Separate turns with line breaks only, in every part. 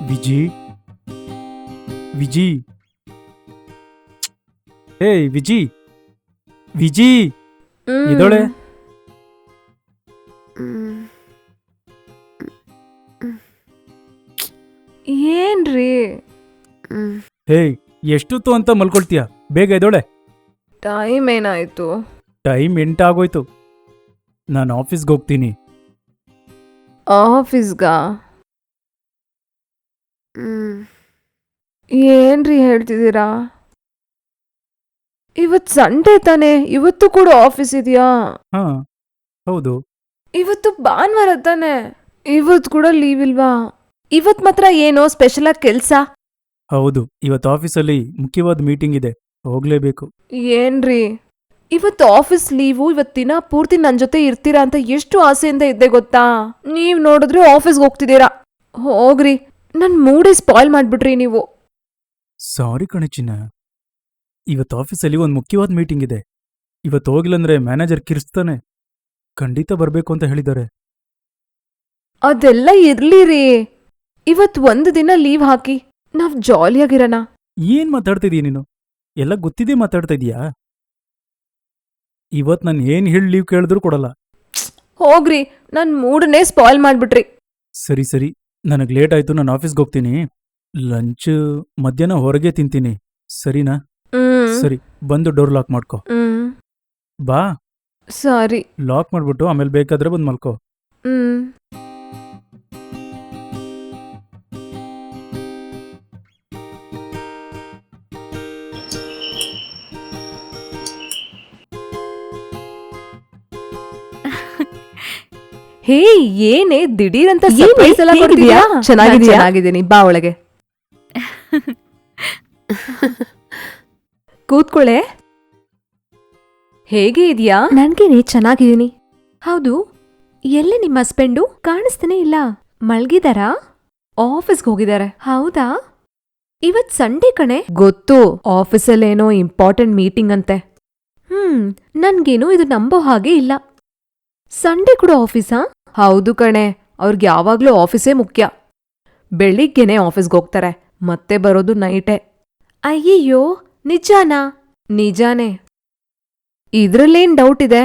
ವಿಜಿ ವಿಜಿ ಏಯ್ ವಿಜಿ ವಿಜಿ ಇದೊಳೆ
ಏನ್ರಿ
ಹೇಯ್ ಎಷ್ಟೊತ್ತು ಅಂತ ಮಲ್ಕೊಳ್ತೀಯ? ಬೇಗ ಎದೋಳೆ.
ಟೈಮ್ ಏನಾಯ್ತು?
ಟೈಮ್ 8 ಆಗೋಯ್ತು. ನಾನು ಆಫೀಸ್ಗೆ ಹೋಗ್ತೀನಿ.
ಆಫೀಸ್ಗಾ? ಏನ್ರಿ ಹೇಳ್ತಿದ್ದೀರಾ? ಇವತ್ತು ಸಂಡೇ ತಾನೆ, ಇವತ್ತು ಕೂಡ ಆಫೀಸ್ ಇದೆಯಾ?
ಹಾ ಹೌದು.
ಇವತ್ತು ಭಾನುವಾರ ತಾನೆ, ಇವತ್ತು ಕೂಡ ಲೀವ್ ಇಲ್ವಾ? ಇವತ್ ಮಾತ್ರ ಏನೋ ಸ್ಪೆಷಲ್ ಆಗಿ ಕೆಲ್ಸ?
ಹೌದು, ಇವತ್ತು ಆಫೀಸಲ್ಲಿ ಮುಖ್ಯವಾದ ಮೀಟಿಂಗ್ ಇದೆ, ಹೋಗ್ಲೇಬೇಕು.
ಏನ್ರಿ ಇವತ್ತು ಆಫೀಸ್ ಲೀವು, ಇವತ್ತಿನ ಪೂರ್ತಿ ನನ್ ಜೊತೆ ಇರ್ತೀರಾ ಅಂತ ಎಷ್ಟು ಆಸೆಯಿಂದ ಇದ್ದೆ ಗೊತ್ತಾ? ನೀವ್ ನೋಡಿದ್ರೆ ಆಫೀಸ್ಗೆ ಹೋಗ್ತಿದ್ದೀರಾ. ಹೋಗ್ರಿ, ನನ್ ಮೂಡೇ ಸ್ಪಾಯ್ಲ್ ಮಾಡ್ಬಿಟ್ರಿ ನೀವು.
ಸಾರಿ ಕಣೆ ಚಿನ್ನ, ಇವತ್ತು ಆಫೀಸಲ್ಲಿ ಒಂದು ಮುಖ್ಯವಾದ ಮೀಟಿಂಗ್ ಇದೆ. ಇವತ್ತು ಹೋಗಿಲ್ಲಂದ್ರೆ ಮ್ಯಾನೇಜರ್ ಕಿರ್ಸ್ತಾನೆ. ಖಂಡಿತ ಬರ್ಬೇಕು ಅಂತ ಹೇಳಿದ್ದಾರೆ.
ಅದೆಲ್ಲ ಇರ್ಲಿರಿ, ಇವತ್ ಒಂದು ದಿನ ಲೀವ್ ಹಾಕಿ ನಾವ್ ಜಾಲಿಯಾಗಿರೋಣ.
ಏನ್ ಮಾತಾಡ್ತಿದೀಯ ನೀನು? ಎಲ್ಲ ಗೊತ್ತಿದೆ ಮಾತಾಡ್ತಾ ಇದೀಯಾ? ಇವತ್ ನಾನು ಏನ್ ಹೇಳಿ ಲೀವ್ ಕೇಳಿದ್ರು ಕೊಡಲ್ಲ.
ಹೋಗ್ರಿ, ನನ್ ಮೂಡನ್ನೇ ಸ್ಪಾಯ್ಲ್ ಮಾಡ್ಬಿಟ್ರಿ.
ಸರಿ ಸರಿ, ನನಗ್ ಲೇಟ್ ಆಯ್ತು, ನಾನು ಆಫೀಸ್ಗೆ ಹೋಗ್ತೀನಿ. ಲಂಚ್ ಮಧ್ಯಾಹ್ನ ಹೊರಗೆ ತಿಂತೀನಿ, ಸರಿನಾ? ಸರಿ, ಬಂದು ಡೋರ್ ಲಾಕ್ ಮಾಡ್ಕೊ. ಬಾ.
ಸರಿ.
ಲಾಕ್ ಮಾಡ್ಬಿಟ್ಟು ಆಮೇಲೆ ಬೇಕಾದ್ರೆ ಬಂದು ಮಲ್ಕೋ.
ಹೇ, ಏನೇ ದಿಢೀರಂತ ಸರ್ಪ್ರೈಸ್ ಎಲ್ಲ ಕೊಡ್ತಿದ್ಯಾ? ಚೆನ್ನಾಗಿದ್ದೀನಿ, ಬಾ ಒಳಗೆ ಕೂತ್ಕೊಳ್ಳೆ. ಹೇಗೆ ಇದೆಯಾ? ನನ್ಗೇನೆ ಚೆನ್ನಾಗಿದ್ದೀನಿ. ಹೌದು, ಎಲ್ಲಿ ನಿಮ್ಮ ಹಸ್ಬೆಂಡು? ಕಾಣಿಸ್ತಾನೆ ಇಲ್ಲ. ಮಲ್ಗಿದಾರಾ? ಆಫೀಸ್ಗೆ ಹೋಗಿದ್ದಾರೆ. ಹೌದಾ? ಇವತ್ ಸಂಡೇ ಕಣೆ. ಗೊತ್ತು, ಆಫೀಸಲ್ಲೇನೋ ಇಂಪಾರ್ಟೆಂಟ್ ಮೀಟಿಂಗ್ ಅಂತೆ. ನನ್ಗೇನು ಇದು ನಂಬೋ ಹಾಗೆ ಇಲ್ಲ. ಸಂಡೇ ಕೂಡ ಆಫೀಸಾ? ಹೌದು ಕಣೆ, ಅವ್ರಿಗೆ ಯಾವಾಗ್ಲೂ ಆಫೀಸೇ ಮುಖ್ಯ. ಬೆಳಿಗ್ಗೆನೆ ಆಫೀಸ್ಗೆ ಹೋಗ್ತಾರೆ, ಮತ್ತೆ ಬರೋದು ನೈಟೇ. ಅಯ್ಯಯ್ಯೋ, ನಿಜಾನಾ? ನಿಜಾನೇ. ಇದ್ರಲ್ಲೇನ್ ಡೌಟ್ ಇದೆ?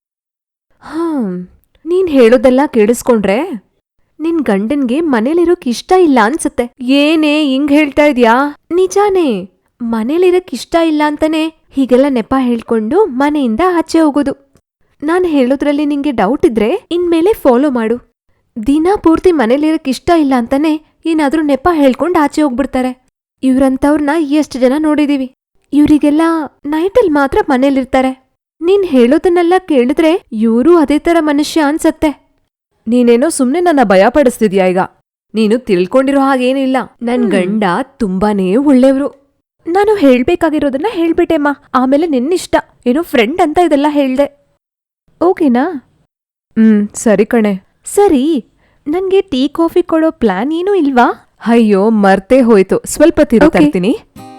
ನೀನ್ ಹೇಳೋದೆಲ್ಲ ಕೇಳಿಸ್ಕೊಂಡ್ರೆ ನಿನ್ ಗಂಡನ್ಗೆ ಮನೇಲಿರೋಕ್ ಇಷ್ಟ ಇಲ್ಲ ಅನ್ಸತ್ತೆ. ಏನೇ ಹಿಂಗ್ ಹೇಳ್ತಾ ಇದ್ಯಾ? ನಿಜಾನೇ, ಮನೇಲಿರೋಕ್ ಇಷ್ಟ ಇಲ್ಲ ಅಂತಾನೆ ಹೀಗೆಲ್ಲ ನೆಪ ಹೇಳ್ಕೊಂಡು ಮನೆಯಿಂದ ಆಚೆ ಹೋಗೋದು. ನಾನ್ ಹೇಳೋದ್ರಲ್ಲಿ ನಿಂಗೆ ಡೌಟ್ ಇದ್ರೆ ಇನ್ಮೇಲೆ ಫಾಲೋ ಮಾಡು. ದಿನ ಪೂರ್ತಿ ಮನೇಲಿರಕ್ ಇಷ್ಟ ಇಲ್ಲ ಅಂತಾನೆ ಏನಾದ್ರೂ ನೆಪ ಹೇಳ್ಕೊಂಡ್ ಆಚೆ ಹೋಗ್ಬಿಡ್ತಾರೆ. ಇವ್ರಂತವ್ರನ್ನ ಎಷ್ಟು ಜನ ನೋಡಿದೀವಿ. ಇವ್ರಿಗೆಲ್ಲ ನೈಟಲ್ ಮಾತ್ರ ಮನೇಲಿರ್ತಾರೆ. ನೀನ್ ಹೇಳೋದನ್ನೆಲ್ಲ ಕೇಳಿದ್ರೆ ಇವ್ರೂ ಅದೇ ತರ ಮನುಷ್ಯ ಅನ್ಸತ್ತೆ. ನೀನೇನೋ ಸುಮ್ನೆ ನನ್ನ ಭಯ ಪಡಿಸ್ತಿದ್ಯಾ ಈಗ. ನೀನು ತಿಳ್ಕೊಂಡಿರೋ ಹಾಗೇನಿಲ್ಲ. ನನ್ ಗಂಡ ತುಂಬಾನೇ ಒಳ್ಳೆಯವ್ರು. ನಾನು ಹೇಳ್ಬೇಕಾಗಿರೋದನ್ನ ಹೇಳ್ಬಿಟ್ಟೆಮ್ಮ, ಆಮೇಲೆ ನಿನ್ನಿಷ್ಟ. ಏನೋ ಫ್ರೆಂಡ್ ಅಂತ ಇದೆಲ್ಲ ಹೇಳ್ದೆ. ಓಕೆನಾ? ಸರಿ ಕಣೆ. ಸರಿ, ನನ್ಗೆ ಟೀ ಕಾಫಿ ಕೊಡೋ ಪ್ಲಾನ್ ಏನೂ ಇಲ್ವಾ? ಅಯ್ಯೋ, ಮರ್ತೇ ಹೋಯ್ತು. ಸ್ವಲ್ಪ ತಿರುಗ್ತೀನಿ.